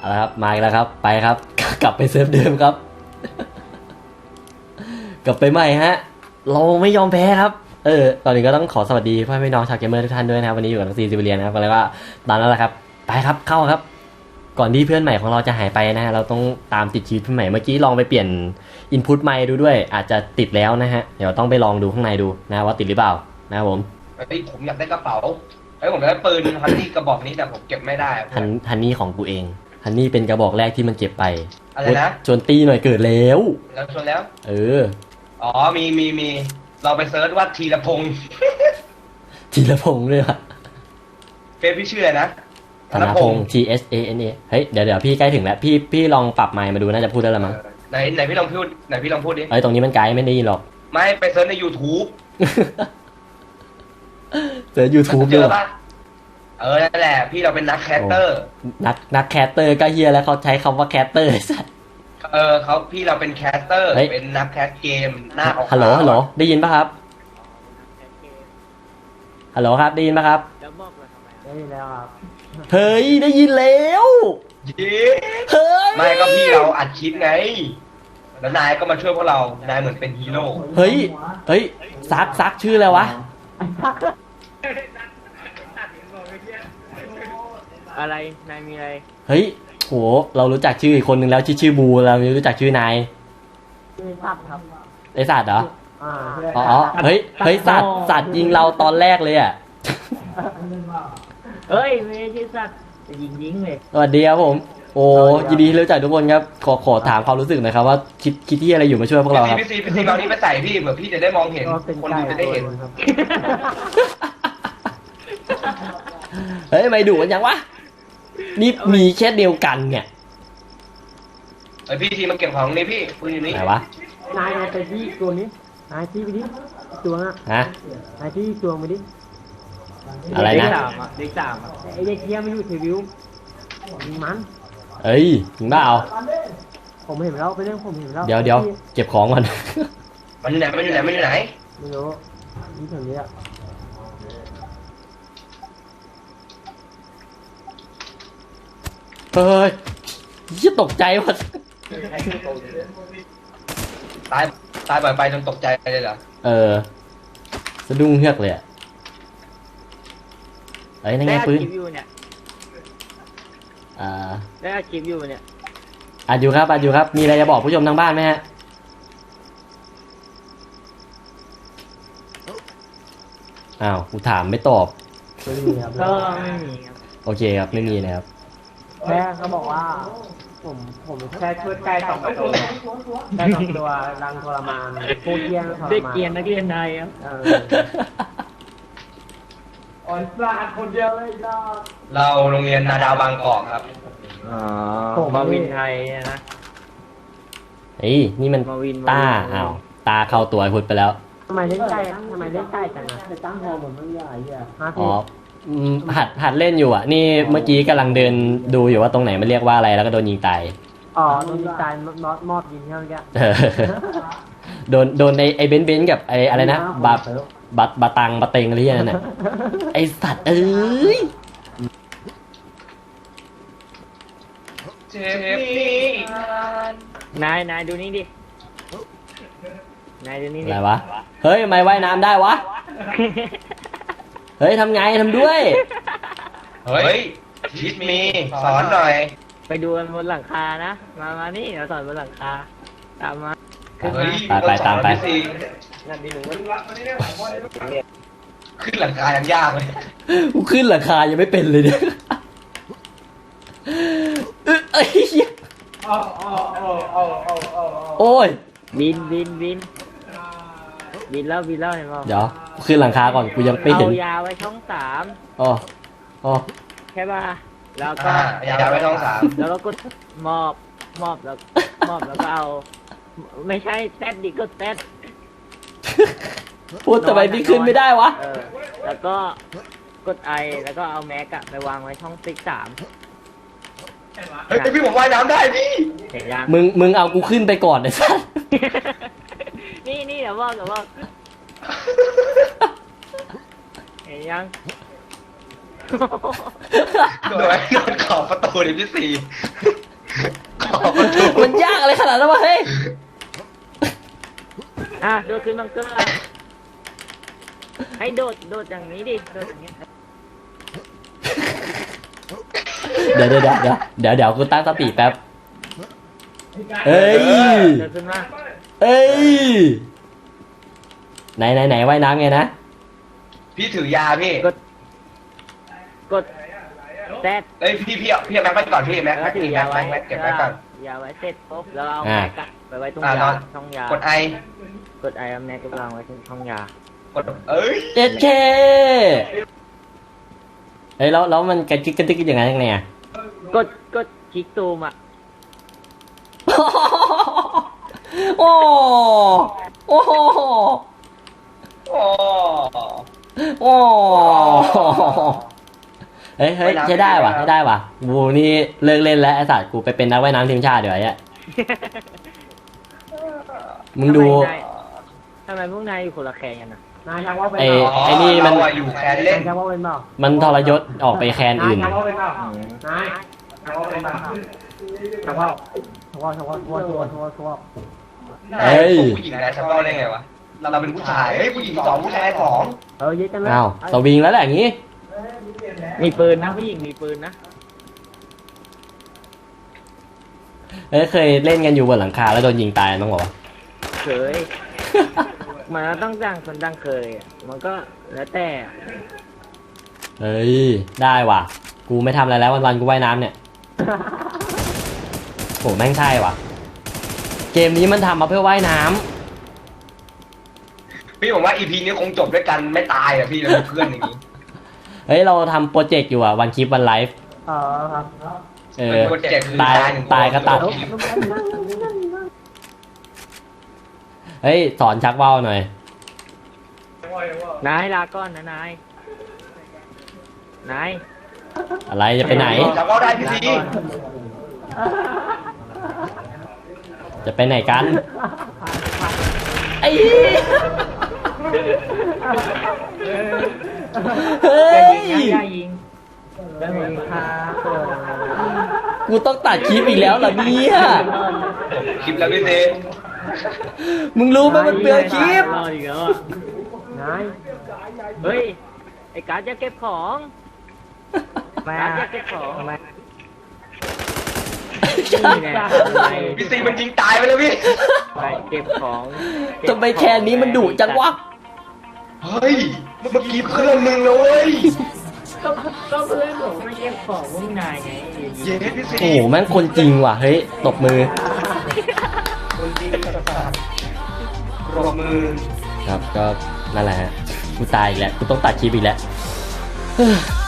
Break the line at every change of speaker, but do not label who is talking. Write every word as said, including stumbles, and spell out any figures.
เอาครับมาอีกแล้วครับไปครับ กลับไปเซิร์ฟเดิมครับ กลับไปใหม่ฮะเราไม่ยอมแพ้ครับเออตอนนี้ก็ต้องขอสวัสดีพ่อพี่น้องชาวเกมเมอร์ทุกท่านด้วยนะครับวันนี้อยู่กับน้องซีซิเลียนนะครับแล้วก็ตามนั้นแหละครับไปครับเข้าครับ ก่อนที่เพื่อนใหม่ของเราจะหายไปนะฮะเราต้องตามติดชีวิตเพื่อนใหม่เมื่อกี้ลองไปเปลี่ยนอินพุตไมค์ดูด้วยอาจจะติดแล้วนะฮะเดี๋ยวต้องไปลองดูข้างในดูนะว่าติดหรือเปล่านะครับผม
ไอ้ยผมอยากได้กระเป๋าไอ้ยผมได้ปืนฮันนี่กระบอกนี้แต่ผมเก็บไม่ได้อะ
ฮันฮันนี่ของกูเองฮันนี่เป็นกระบอกแรกที่มันเก็บไป
อะไรนะ
ชวนตีหน่อยเกิดแล้ว
แล้วชนแล้ว
เออ
อ๋อมีมีมีเราไปเซิร์ชว่าทีละพงษ์
ธีรพงษ์ด้วยอะ
เฟซพี่ชื่ออะไรนะ
ธนพงษ์ T S A N A เฮ้ยเดี๋ยวเดี๋ยวพี่ใกล้ถึงแล้วพี่พี่ลองปรับไมค์มาดูน่าจะพูดได้แล้วมั้ง
เออไหนไหนพี่ลองพูดไหนพี่ลองพูดดิ
เอ้ยตรงนี้มันไกลไม่ได้ยินหรอก
ไม่ไปเซิร์ชใน YouTube
เจอ YouTube
เจ
ด้วย
อปะเออนั่นแหละพี่เราเป็นนักแคสเตอร์
นักนักแคสเตอร์ก็เฮียแล้วเขาใช้คำว่าแคสเตอร์สัส
เออเขาพี่เราเป็นแคสเตอร์
เฮ้ย
เป็นนักแคสเกมหน้าของ
ฮัลโหลฮัลโหลได้ยินปะครับฮัลโหลครับได้ยินปะครับ
แล้วบอกเลยทำไม
ได้ยินแล้วครับ
เฮ้ยได้ยินแล้ว
เย้
เฮ้ย
ไม่ก็พี่เราอัดคลิปไง แล้วนายก็มาช่วยพวกเรานายเหมือนเป็นฮีโร่
เฮ้ยเฮ้ยซักซักชื่ออะไรวะ
อะไรนายมีอะไร
เฮ้ยโหเรารู้จักชื่ออีกคนนึงแล้วชื่อชื่อบูเราไม่รู้จักชื่อนาย
ชื่อสัตว์ครับ
ไอสัตว์เหรอ
อ่า
อ๋ออ๋อเฮ้ยเฮ้ยสัตว์สัตว์ยิงเราตอนแรกเลยอ่ะ
เอ้ยไม่ใช่ชื่อสัตว์จะยิงยิงเลย
สวัสดีครับผมโอ้ยินดีที่รู้จักทุกคนครับขอขอถามความรู้สึกหน่อยครับว่าคิดคิดที่อะไรอยู่มาช่วยพวกเราครับ
พี่ซีพี่ซีเอานี้ไปใส่พี่เผื่อพี่จะได้มองเห็น
ก็เป็น
คน
ไก่
ดูจะได้เห็น
ครับ
เฮ้ยไม่ดุกันยังวะนี่มีแค่เดียวกันเนี่ย
เอ้ยพี่ทีมาเก็บของนี่พี่ปืนอยู่นี่
ไหนวะ
นายเอาไปที่ตัวนี้นายที่ไปดิตัวน่ะ
ฮะ
นายที่ตัวไปดิ
อะไรนะ
เด็กสามอ่ะเด็กสามอ่ะ
ไอเด็กเทียไม่อยู่ทีวิวยิงมัน
เอ้ยถึงบ้าเอา
ผมเห็นแล้วไปเรื่องผมเห็นแล้ว
เดี๋ยวเดี๋ยวเก็บของก่อน
มันอยู่ไหนมันอยู่ไหนมันอยู่ไหน
ไม่รู้นี่แถวนี้อะ
เฮ้ยยี่ตกใจหมด
ตายตายบ่อยไปจนตกใจเลยเหรอ
เออสะดุ้งเฮือกเลยอะเอ้ยนั่นไง
ได้อัด
ปืน
คลิปอยู่เนี่ย
อ่า
ได้อัดคลิปอยู่เนี่ย
อัดอยู่ครับอัดอยู่ครับมีอะไรจะบอกผู้ชมทางบ้านไหมฮะอ้าวกูถามไม่ตอบ
ไม่มีครับ
ก็ไม่มีครับ
โอเคครับไม่มีนะครับ
แค่เขาบอกว่า ผมผมแค่ช่วยไก่สองตัวแค่สองตัวรังทรมานพูดเยี่ยงทรมาน
เด็กเกรียนนักเรียนนายครับ
เอออ่อนสาดคนเดียวเลยจ้า
เราโรงเรียนนาดาวบางกอกครับ
อ๋อมาวินไทยนะ
เฮ้ยนี่มัน
มาวิน
ตาอ้าวตาเข้าตัวไอ้พุทธไปแล้ว
ทำไมเล่นใกล้ทำไมเล่นใกล้จังอ่ะไปตั้งฮอเหมือนมันใหญ่อ่ะฮะ
อ๋
พี่
ออืมหัดหัดเล่นอยู่อ่ะ นี่เมื่อกี้กำลังเดินดูอยู่ว่าตรงไหนมันเรียกว่าอะไรแล้วก็โดนยิงตาย
อ๋อโดนยิงตายมอดมอบยิงเท่านี้
เออโดนโดนในไอ้เบนซ์เบนซ์กับไอ้อะไรนะบาบาบาตังบาเต็งอะไรอย่างนั้นน่ะไอ้สัตว์เอ้ย
เจ็บนี่
นายนายดูนี่ดินายดูนี่
อะ
ดิ
ไรวะเฮ้ยทำไมว่ายน้ำได้วะเฮ้ยทำไงทำด้วย
เฮ้ยชิดมีสอนหน่อย
ไปดูกันบนหลังคานะมามานี่เราสอนบนหลังคาตามมา
เฮ้ย
ไปไปตามไป
พี่ซีขึ้นหลังคายังยากเลย
กูขึ้นราคายังไม่เป็นเลยเนี่ยเอ้ยเอ้ยโอ้ย
บินบินบินบินแล้วบินแล้วเห็นเปล่า
เดี๋ยวกูขึ้นหลังคาก่อนกูยังไม่เห็น
เอายาไว้ช่องสาม
อ๋ออ๋อ
ใช่ป่ะแล้วก็
อ่าอย่าไปท้องสาม
แล้วก็กดมอบมอบแล้วมอบแล้วก็เอาไม่ใช่แซดดิก็แซด
พูดทำไมพี่ขึ้นไม่ได้วะ
เออแล้วก็กดไอแล้วก็เอาแม็กอะไปวางไว้ช่องติ๊กสาม
เฮ้ยพี่ผมว่ายน้ำได้พี่
เห็นยัง
มึงมึงเอากูขึ้นไปก่อนไอ้สัส
นี่นี่เดี๋ยวบอกเดี๋ยวบอกเห็นยัง
โดยโดนขอบประตูเลยพี่ซีประตู
มันยากอะไรขนาดนั้นวะเฮ้ย
อ่ะโดดขึ้นบังเกอร์ให้โดดโดดอย่างนี้ดิโดดอย่างนี้
เดี๋ยวเดี๋ยวเดี๋ยวเดี๋ยวเดี๋ยวเดี๋ยวกูตั้งสติแป๊บเอ้ย
โดดขึ้นมา
เอ้ยไหนไหนไหนว่ายน้ำไงนะ
พี่ถือยาพี่
กดกดแซด
เอ้ยพี่พี่เอาพี่เอาแม็กไปก่อนพี่แม็ก
แล้ว
แม็ก
ถือ
พี่
ยา
แม็ก
ไว้
แม็กเก็บแม็กก่อน
ยาไว้เสร็จปุ๊บแล้วเอา
อ่า
แม็กอะไปไว้ตรง
อ่าย
า
อน
ช่องยาก
ดไอก
ดไอเอาแม็กก็วางไว้ที่ช่องยาก
ดเอ้ย
เจ็ดเคเฮ้ยแล้วแล้วมันกระจิกกระติกอย่างไงยังไงอะ
กดกดคลิกตูมอ่ะ
โอ้โอ้
โอ้
โอ้เฮ้ยเฮ้ยใช้ได้ว่ะใช้ได้ว่ะกูนี่เลิกเล่นแล้วไอ้สัตว์กูไปเป็นนักว่ายน้ำทีมชาติเดี๋ยวไอ้เนี่ยมึงดู
ทำไมพวกนายอยู่คนละแคร์กันนะ
นายชักว่าเป็น
ไอ้
เปล่า
ไอ้นี่มัน
เราอะอยู่แคนเล่
นาน ยชักว่าเป็นเปล่า
มันทรยศออกไปแคน
นาย
อื่น
ชักว่าเป็นเปล่านายชักว่าเป็นเปล่าชักว่าชักว่าชักว่าชักว่าชักว่าชักว่าชักว่า
เฮ้ย
ผู้หญิงนะชักว่าวได้ไงวะเราเป็นผู้ชายเฮ้ยผู้หญิงสองผู้ชายสอง
เออเยอะจังเลย
อ้าวสวิงแล้วแหละอย่างงี้
มีปืนนะผู้หญิงมีปืนนะ
เอ้ยเคยเล่นกันอยู่บนหลังคาแล้วโดนยิงตายมั้งบอกว่า
เคย มันก็ต้องดังคนดังเคยอะมันก็แล้วแต่
เฮ้ยได้ว่ะ กูไม่ทำอะไรแล้ววันๆกูว่ายน้ำเนี่ยโหแม่งใช่ว่ะ เกมนี้มันทำมาเพื่อว่ายน้ำ
พี่ผมว่าอีพีนี้คงจบด้วยกันไม่ตายอ่ะพี่เราเป็นเพื่อนอย่างนี้
เฮ้ยเราทำโปรเจกต์อยู่อ่ะวันคลิปวันไลฟ์
เออครับ
เอ
เป็น
อ
โปรเจกต์คือ
ตาย
หนึ่ง
ตายก็ตัด เฮ้ยสอนชักว่าวหน่อย
นายลาก่อนนะนาย นาย
อะไรจะไปไหน
ชักว่าวได้พี่ซี
จะไปไหนกันไอ้เฮ้
อย่าย ยิงนะอย่ายิง
แล้วมีค่าเออ
กูต้องตัดคลิปอีกแล้วเหรอเนี่ย
คลิปแล้วพี่ซี
มึงรู้ไหมมันเปลืองคลิป
รออีกแล้วอะ
นาย
เฮ้ย ไอ้การ์ดจะเก็บของการ์ดจะเก็บของ
ทำไม
นี่ไง
พี่ซีมันยิงตายไปแล้วพี่
ไปเก็บของ
ทำไมแค่นี้มันดุจังวะ
เฮ้ยเมื่อกี้เพื่อนมึงเลย
ก็ก็เพื่อนผมไม่เก็บของพวกนายไง
เย้พี่ซี
โอ้โหแม่งคนจริงว่ะ เฮ้ย ตบมือ
ปรบมือ
ครับ ก็นั่นแหละฮะ กูตายอีกแล้ว กูต้องตัดคลิปอีกแล้ว